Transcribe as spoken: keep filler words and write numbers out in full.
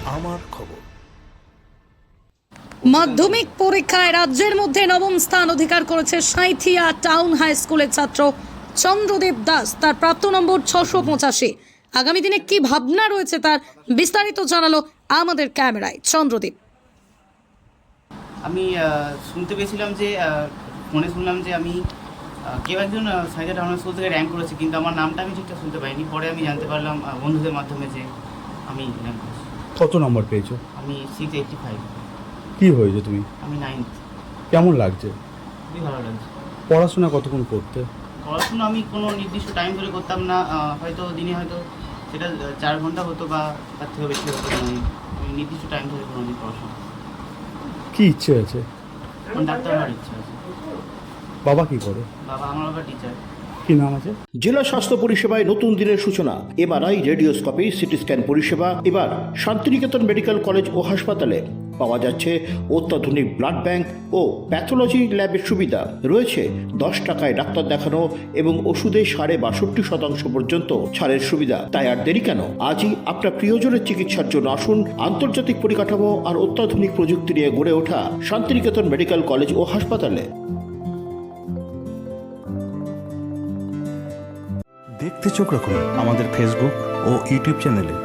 আমার খবর। মাধ্যমিক পরীক্ষায় রাজ্যের মধ্যে নবম স্থান অধিকার করেছে সাঁইথিয়া টাউন হাই স্কুলের ছাত্র চন্দ্রদেব দাস। তার প্রাপ্ত নম্বর ছশো পঁচাশি। আগামী দিনে কি ভাবনা রয়েছে তার বিস্তারিত জানালো আমাদের ক্যামেরায় চন্দ্রদেব। আমি শুনতে পেয়েছিলাম যে ফোনে শুনলাম যে আমি কেউ একজন সাঁইথিয়া টাউন স্কুল থেকে র্যাঙ্ক করেছি, কিন্তু আমার নামটা আমি ঠিকঠাক শুনতে পাইনি। পরে আমি জানতে পারলাম বন্ধুদের মাধ্যমে যে আমি র্যাঙ্ক করেছি। কত নম্বর পেয়েছো? আমি সিক্স এইটটি ফাইভ। কি হয়েছে তুমি? আমি নাইন্থ। কেমন লাগছে? খুবই ভালো লাগছে। পড়াশোনা কতক্ষণ করতে? পড়াশোনা আমি কোনো নির্দিষ্ট টাইম ধরে করতাম না, হয়তো দিনে হয়তো সেটা চার ঘন্টা হতো বা তার থেকেও বেশি হতো। আমি নির্দিষ্ট টাইম ধরে কোনো দিন পড়াশোনা। কি ইচ্ছে আছে? আমার ডাক্তার হওয়ার ইচ্ছা আছে। বাবা কি করে? বাবা আমার বাবা টিচার। কি নাম আছে? জেলা স্বাস্থ্য পরিষেবায় নতুন দিনের সূচনা। এমআরআই, রেডিওস্কোপি, সিটি স্ক্যান পরিষেবা এবার শান্তিনিকেতন মেডিকেল কলেজ ও হাসপাতালে পাওয়া যাচ্ছে। অত্যাধুনিক ব্লাড ব্যাংক ও প্যাথোলজি ল্যাবের সুবিধা রয়েছে। দশ টাকায় ডাক্তার দেখানো এবং ওষুধে সাড়ে বাষট্টি শতাংশ পর্যন্ত ছাড়ের সুবিধা। তাই আর দেরি কেন? আজই আপনার প্রিয়জনের চিকিৎসার জন্য আসুন আন্তর্জাতিক পরিকাঠামো আর অত্যাধুনিক প্রযুক্তি নিয়ে গড়ে ওঠা শান্তিনিকেতন মেডিকেল কলেজ ও হাসপাতালে। দেখতে চোখ রাখুন আমাদের ফেসবুক ও ইউটিউব চ্যানেলে।